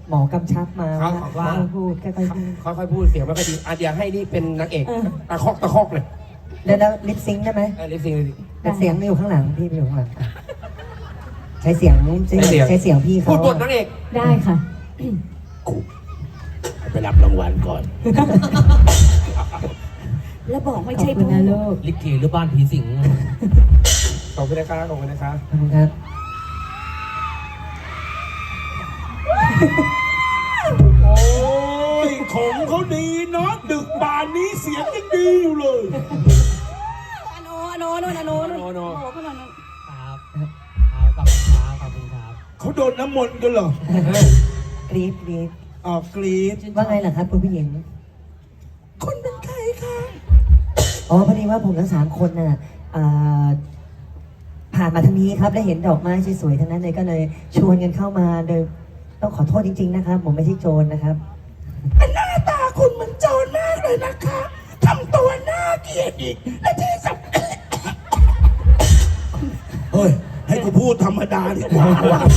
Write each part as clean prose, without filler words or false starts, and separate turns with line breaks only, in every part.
หมอกำชับมา
เขาว่า
พูดค่อยๆพูด
ค่อยๆพูดเสียงไม่ค่อยดีเดี๋ยวให้นี่เป็นนางเอกตะคอกเลย
แล้วลิปซิงค์ได้ไหม
ลิปซิงค์
แต่เสียงอยู่ข้างหลังพี่อยู่ข้างหลังใช้เสียงพี่เขา
พูดบทนางเอก
ได้ค่ะ
ไปรับรางวัลก่อน
แล้วบอกไม่
ขอบ
ใช่
คุณนะลูก
ลิเกหรือบ้านผีสิง
ขอบคุณนะคะขอบคุณนะคะ
ขอบคุณครับ
โอ้ยของเขาดีเนาะดึกบานนี้เสียงยังดีอยู่เลย
อโนโอ้ขึ้นมา
ครับขอบคุณครับขอบคุณครับเขาโดนน้ำมนต์กันเหรอก
รี๊ด
อ๋อกรี๊ด
ว่าไงล่ะครับคุณผู้หญิง
คนเป็นใครคะ
อ๋อพอดีว่าผมทั้ง3 คนน่ะผ่านมาทางนี้ครับและเห็นดอกไม้สวยๆทั้งนั้นเลยก็เลยชวนกันเข้ามาโดยต้องขอโทษจริงๆนะครับผมไม่ใช่โจรนะครับ
หน้าตาคุณเหมือนโจรมากเลยนะคะทำตัวน่าเกลียดอีกและที่สำคัญเฮ้ยให้กูพูดธรรมดาดีกว่าว่ะ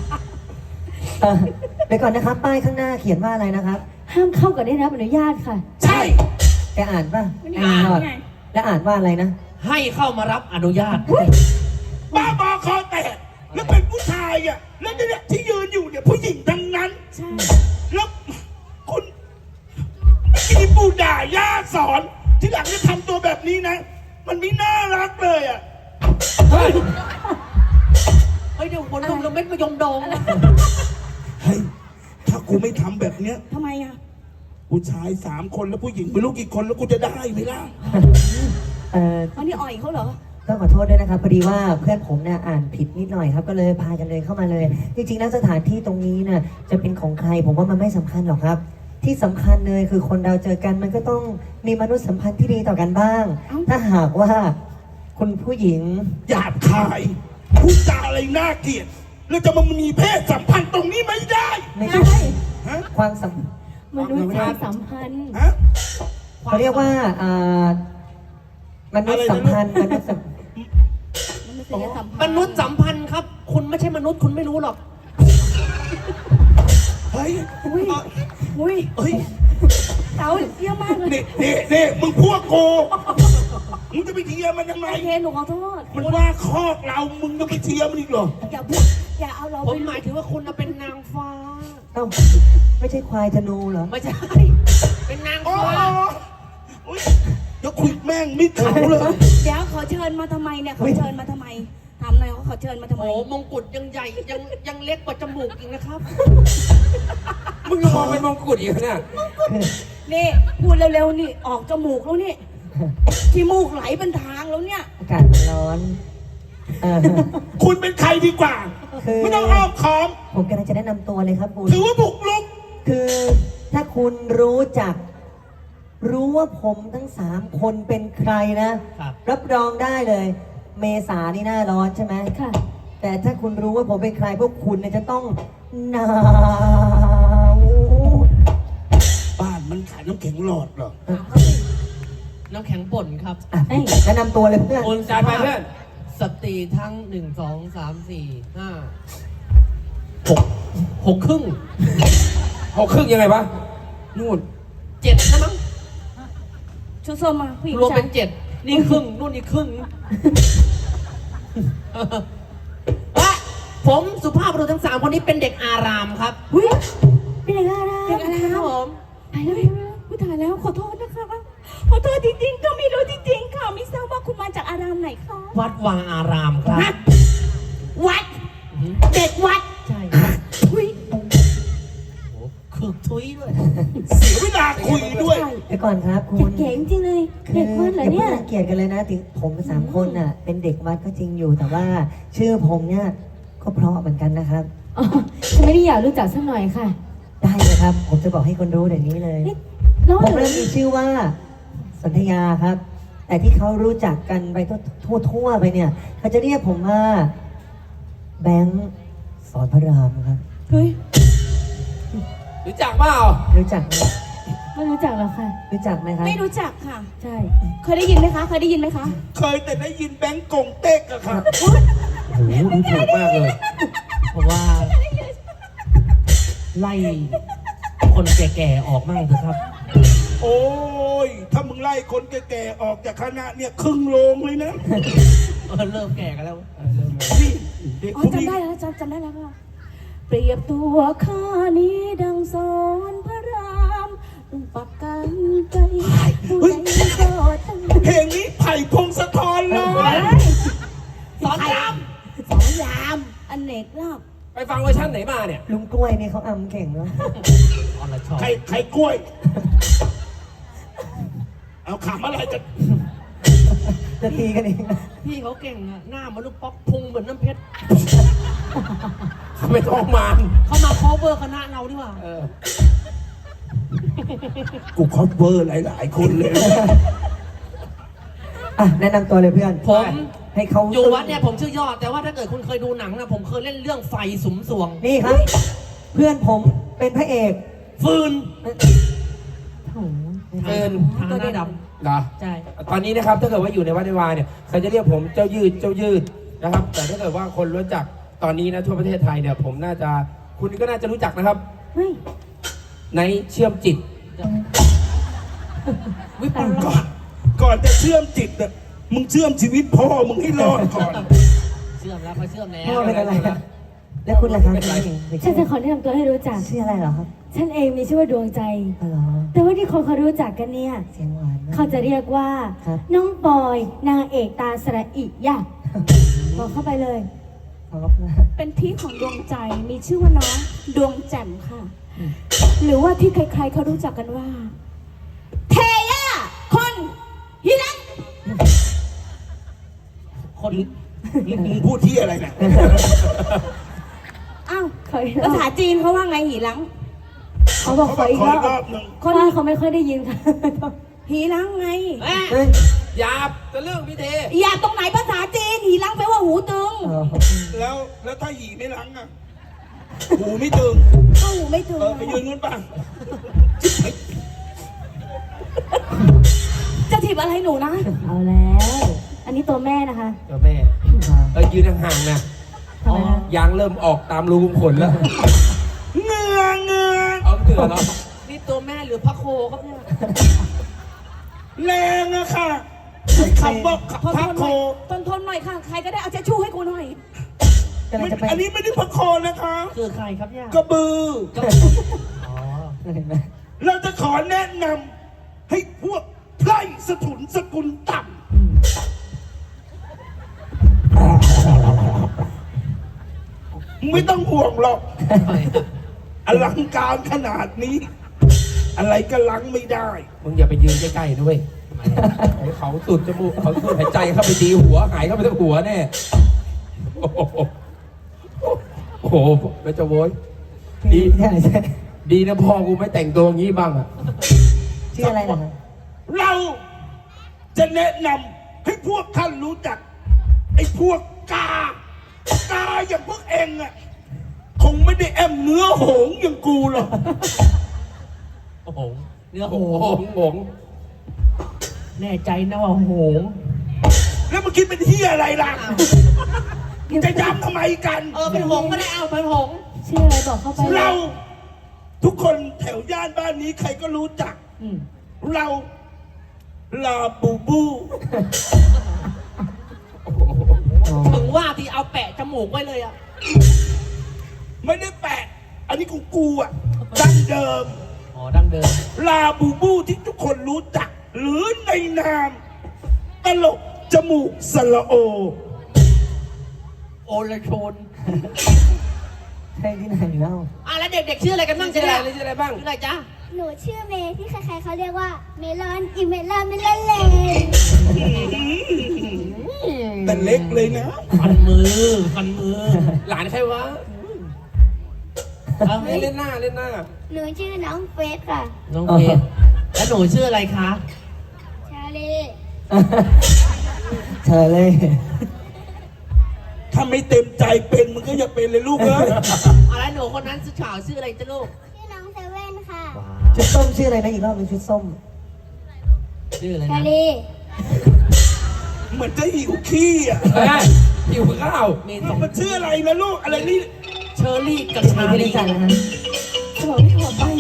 เดี๋ยวก่อนนะครับป้ายข้างหน้าเขียนว่าอะไรนะครับ
ห้ามเข้ากับได้รับอนุญาตค่ะ
ใช่
แกอ่านป่ะ
ไม่อ่าน
หรอก
ไง
แล้วอ่านว่าอะไรนะ
ให้เข้ามารับอนุญาตบ้าบอคอแตกแล้วเป็นผู้ชายอ่ะแล้วเนี่ยที่ยืนอยู่เนี่ยผู้หญิงทั้งนั้น
ใช่
แล้วคุณมีปู่ด่าย่าสอนที่หลังจะทำตัวแบบนี้นะ มันไม่น่ารักเลยอ่ะ
เฮ้ยเดี๋ยวคนลงเม็ดมายมดอง
เฮ้ยถ้ากูไม่ทำแบบเนี้ย
ทำไมอ่ะ
ผู้ชาย3 คนแล้วผู้หญิงไม่รู้กี่คนแล้วกูจะได้ไหมล่ะ
อันนี้อ่อยเขาเหรอ
ต้องขอโทษด้วยนะครับพอดีว่าเพื่อนผมเนี่ยอ่านผิดนิดหน่อยครับก็เลยพากันเลยเข้ามาเลย จริงๆแล้วสถานที่ตรงนี้น่ะจะเป็นของใครผมว่ามันไม่สำคัญหรอกครับ ที่สำคัญเลยคือคนเราเจอกันมันก็ต้องมีมนุษยสัมพันธ์ที่ดีต่อกันบ้าง ถ้าหากว่าคุณผู้หญิง
หยาบคายพูดจาอะไรน่าเกลียดแล้วจะมามีเพศสัมพันธ์ตรงนี้ไม่ได้
ไม่
ใช่
ใช่
ฮะ
ความสัม
มนุษย์ความสัมพันธ์
ฮะ
เขาเรียกว่ามนุษยสัมพันธ์มนุษยสัม
มนุษยสัมพันธ์
มนุษย์สัมพันธ์ครับ คุณไม่ใช่มนุษย์คุณไม่รู้หรอก
เฮ้ย
อุ้ย
เฮ้ย
เต๋าเยี่ยมมากเลย
นี่มึงพวกกูมึงจะไปเทียร์มันทำไม
โอเคหนูขอโทษ
มันว่าคอกเรามึงจะไปเทียร์มันอีกเหรอ
อย่าพูดอย่าเอาเรา
ผ
ไป
มหมายถึงว่าคุณเป็นนางฟ้า
เอ้าไม่ใช่ควายธนูเหรอ
ไม่ใช่ เป็นนาง
อ๋อ
ฟ้า
อุ๊ยเดี๋ยวคุยแม่งมิดเขาเลย
เดี๋ยวเขาเชิญมาทำไมเนี่ยเขาเชิญมาทำไมถามหน่อยว่าเขาเชิญมาทำไม
โอ้มงกุฎยังใหญ่ยังเล็กกว่าจมูกอีกนะครับ มึงยังมองเป็นมงกุฎอีกเนี่ย
นี่พูดเร็วๆนี่ออกจมูกแล้วนี่ที่มูกไหลเป็นทางแล้วเนี่ย
อากาศมันร้อนเออ
คุณเป็นใครดีกว่า
คือ
ไม่ต้องอ้อมค้อม
ผมกำลังจะแนะนำตัวเลยครับคุณ
ถือว่าบุกรุก
คือถ้าคุณรู้ว่าผมทั้ง3 คนเป็นใครนะ รับรองได้เลย เมษานี่หน้าร้อนใช่ไหม
ค่ะ
แต่ถ้าคุณรู้ว่าผมเป็นใครพวกคุณเนี่ยจะต้องหนาว
บ้านมันขายน้ำแข็งหลอดเหรอ
น้ำแข็งป่นครับ
อ่ะแนะนำตัวเลยเพื่อน
โอนจ่ายไปเพื่อน
สตรีทั้ง1 2 3 4 5 6ครึ่ง
6 ครึ่งยังไงวะ นู่น7นะมั้ง
ชุดส้มมาผู้หญิง
รวม
ชา
เป็
ย
น7นี่ครึ่งนู่นอีกครึ่งอ่ะผมสุภาพบุรุษทั้ง3 คนนี้เป็นเด็กอารามครับ
อุ้ยเป็นอะไรนะ
เด็กอารามผม
ตายแล้วอุ๊ยตายแล้วขอโทษนะคะขอโทษจริงๆก็ไม่รู้จริงๆค่ะไม่ทราบว่าคุณมาจากอารามไหนคะ
วัดวาอารามครับ
ฮะวัด เด็กวัด
ใช่
อุ้ย
โอ้โหคึกทุยด้วย
เสียเวลาคุยด้วย
เดี๋ยวก่อนครับคุณ
เก๋จริงๆเลย
คือ
เด็กวัดเหรอ
อย่า
เนี่
เพิ่ง
ย
รังเกียจกันเลยนะถึงผม3 คนน่ะ เป็นเด็กวัดก็จริงอยู่ แต่ว่าชื่อผมเนี่ยก็เพราะเหมือนกันนะครับ
อ๋อฉันไม่ได้อยากรู้จักสักหน่อยค่ะ
ได้เลยครับ ผมจะบอกให้คนรู้เดี๋ยวนี้เลย
นี่น้อง
ผม
หนู
เริ่มมีชื่อว่าสนธยาครับ แต่ที่เขารู้จักกันไปทั่วไปเนี่ยเขาจะเรียกผมว่าแบงค์สอนพระรามครับ
เฮ้ย
รู้จักเปล่า
รู้จักไหม
ไม่รู้จักหรอกค่ะ
รู้จักไหมครับ
ไม่รู้จักค่ะ ใช่ เคยได้ยินไหมคะ เคยได้ยินไหมคะ
เคยแต่ได้ยินแบงก์กงเต็กอะครับ
โอ้โหดูถูกมากเลย
เพราะว่าไล่คนแก่ๆออกมั่งเถอะครับ
โอ้ย ถ้ามึงไล่คนแก่ๆออกจากคณะเนี่ยครึ่งโรงเลยนะ
เริ่มแก่กันแล้ว
นี่เด็ก
อ๋อ
พวก
จำ
นี้
ได้แล้วจำได้แล้วค่ะ เปรียบตัวข้านี้ดังสอนพระรามปักกันใจผู้ใดก็ตั้ง
เพลงนี้ไผ่พงศธรเลย
สอนราม
สองยามอเนกรอบ
ไปฟังเวอร์ชันไหนมาเนี่ย
ลุงกล้วยนี่เขาอำเก่งเนาะ
อรชร
ไข่กล้วย เอาขำอะไรกัน
จะตีกันเองนะ
พี่เขาเก่งอะหน้ามันลูกป๊อกพุงเหมือนน้ำเพชรเขาไม่ต้องมาเขามา cover คณะเราดีกว่า
กูคอเวอร์หลายๆคนเลย
อ่ะแนะนำตัวเลยเพื่อน
ผม
ให้เขา
อยู่วัดเนี่ยผมชื่อยอด แต่ว่าถ้าเกิดคุณเคยดูหนังนะผมเคยเล่นเรื่องไฟสุมสวง
นี่ครับ เพื่อนผมเป็นพระเอก
ฟืน
โอ้โห
เอินทางหน้าด
เหรอ
ำใช่
ตอนนี้นะครับถ้าเกิดว่าอยู่ในวัดในวาเนี่ยเขาจะเรียกผมเจ้ายืดนะครับ แต่ถ้าเกิดว่าคนรู้จักตอนนี้นะทั่วประเทศไทยเนี่ยผมน่าจะคุณก็น่าจะรู้จักนะครับ
เฮ้ย
ในเชื่อมจิต
วิปลาส
ก่อนจะเชื่อมจิตน่ะมึงเชื่อมชีวิตพ่อมึงให้รอดก่อน
เชื่อมแล้วเขาเชื่อมแล้ว
พ่อเป็นอะไรอะแล้วคุณล่ะครับคุณเอง
ฉันจะขอแนะนำตัวให้รู้จัก
ชื่ออะไรเหรอครับ
ฉันเองมีชื่อว่าดวงใจ
อ๋อเหรอ
แต่ว่าที่คนเขารู้จักกันเนี่ย
เสียงหวานมาก
เขาจะเรียกว่า
ครับ
น้องปอยนางเอกตาสระอิยะบอกเข้าไปเลย
ขอบคุณมาก
เป็นพี่ของดวงใจมีชื่อว่าน้องดวงแจ่มค่ะ หรือว่าที่ใครๆเขารู้จักกันว่า เทย่าคนฮิรัน
คน
มึงพูดที่อะไรเนี่ย
อ้าว
ขออีกร
ภา
อบ
ษาจีนเขาว่าไงหีหลัง
เขาบอก
เขา
ข
บ
อ
อก
อีก
ขอ
รอ
อีกรอ
บบ
หนึ่ง
คนนี้เขาไม่ค่อยได้ยินค่ะ
หีหลังไง
แม่
เฮ้ย
หยาบจะเรื่องพี่เท
อย่าตรงไหนภาษาจีนหีหลังแปลว่าหูตึง
อ๋อ
แล้วถ้าหีไม่ล้างอ่ะหูไม่ตึง
ก็หูไม่ตึง
ไปยืนนู้นป่ะ
จะถีบอะไรหนูนะ
เอาแล้ว อันนี้ตัวแม่นะคะ
เจ้าแม่ยืนห่างๆนะ
ทำไมคะ
ยางเริ่มออกตามรูขุมขนแล้ว
เงือ
เอาเถื่อนแล้ว
นี่ตัวแม่หรือพระโคครับเนี่ย
แรงอะค่ะคำว่า
ทน
พัก
ๆห
โค
น่อยทนๆหน่อยค่ะ ใครก็ได้เอาเช็ดชู่ให้กูหน่อย
กำลังจะไป
อันนี้ไม่ได้พักโคนะคะ
คือใครครับเนี่ย
กระบือ
อ๋อ
เห็นไหม
เราจะขอแนะนำให้พวกไพร่สถุนสกุลต่ำไม่ต้องห่วงหรอก อลังการขนาดนี้ อะไรก็ลังไม่ได้
มึงอย่าไปยืนใกล้ๆด้วยให้เขาสุดจมูกเขาสุดหายใจเข้าไปตีหัวหายเข้าไปทั้งหัวแน่โอ้โหโอ้โหไม่จะโว้ยดี
ใช่ใช่
ดีนะพ่อกูไม่แต่งตัวอย่างนี้บ้างอะ
ชื่ออะไรนะครับ
เราจะแนะนำให้พวกท่านรู้จัก ไอ้พวกกาอย่างพวกเองอะคงไม่ได้แอมเนื้อโหงอย่างกูหรอก
โอ้โหเนื้อ
โอ้
โห
โหง
แน่ใจนะว่าโหง
แล้วมึงคิดเป็นที่อะไรล่ะมึงจะย้ำทำไมกัน
เป็นหงก็ได้เอาเป็นหง
ชื่ออะไรบอกเข้าไปเลย
เราทุกคนแถวย่านบ้านนี้ใครก็รู้จัก เราลาบูบู
ถึงว่าที่เอาแปะจมูกไว้เลยอะ
ไม่ได้แปะ อันนี้ของกูอ่ะดั้งเดิม
อ๋อดั้งเดิม
ลาบูบูที่ทุกคนรู้จัก หรือในนามตลกจมูกสละโอ
โอลชน
ใช่ที่ไหนเล่า
แล้วเด็กๆชื่ออะไรกันบ้าง
ชื่ออะไร
เนี่ย
ชื่ออะไรบ้าง
ชื่ออะไรจ๊ะ
หนูชื่อเมย์ที่ใครๆเขาเรียกว่าเมลอนอีเมลอนไม่เล่นเลย
แต่เล็กเลยนะ
ฟันมือ
หลานใครวะ
เอา
เล่นหน้า
หนูชื่อน้องเฟสค่ะ
น้องเพชรแล้วหนูชื่ออะไรคะ
ชาลี
เธอเลย
ถ้าไม่เต็มใจเป็นมึงก็อย่าเป็นเลยลูกเอ้ย
แล้วหนูคนนั้นชื่อข่าวชื่ออะไรจ๊ะลูก
ชื่อน้องเซเว่นค่ะ
ชุดส้มชื่ออะไรนะอีกรอบเป็นงชุดส้ม
ชื่ออะไร
ชา
นะ
ลี
เหมือนจะหิวขี้อ่ะ
หิวข้าว
มีสอง
มันชื่ออะไรนะลูกอะไรนี่
เชอรี่กับ
มี
ชา
ที่
ลี
ได้จัดนะฮะ
จะบอกให้ถอดไป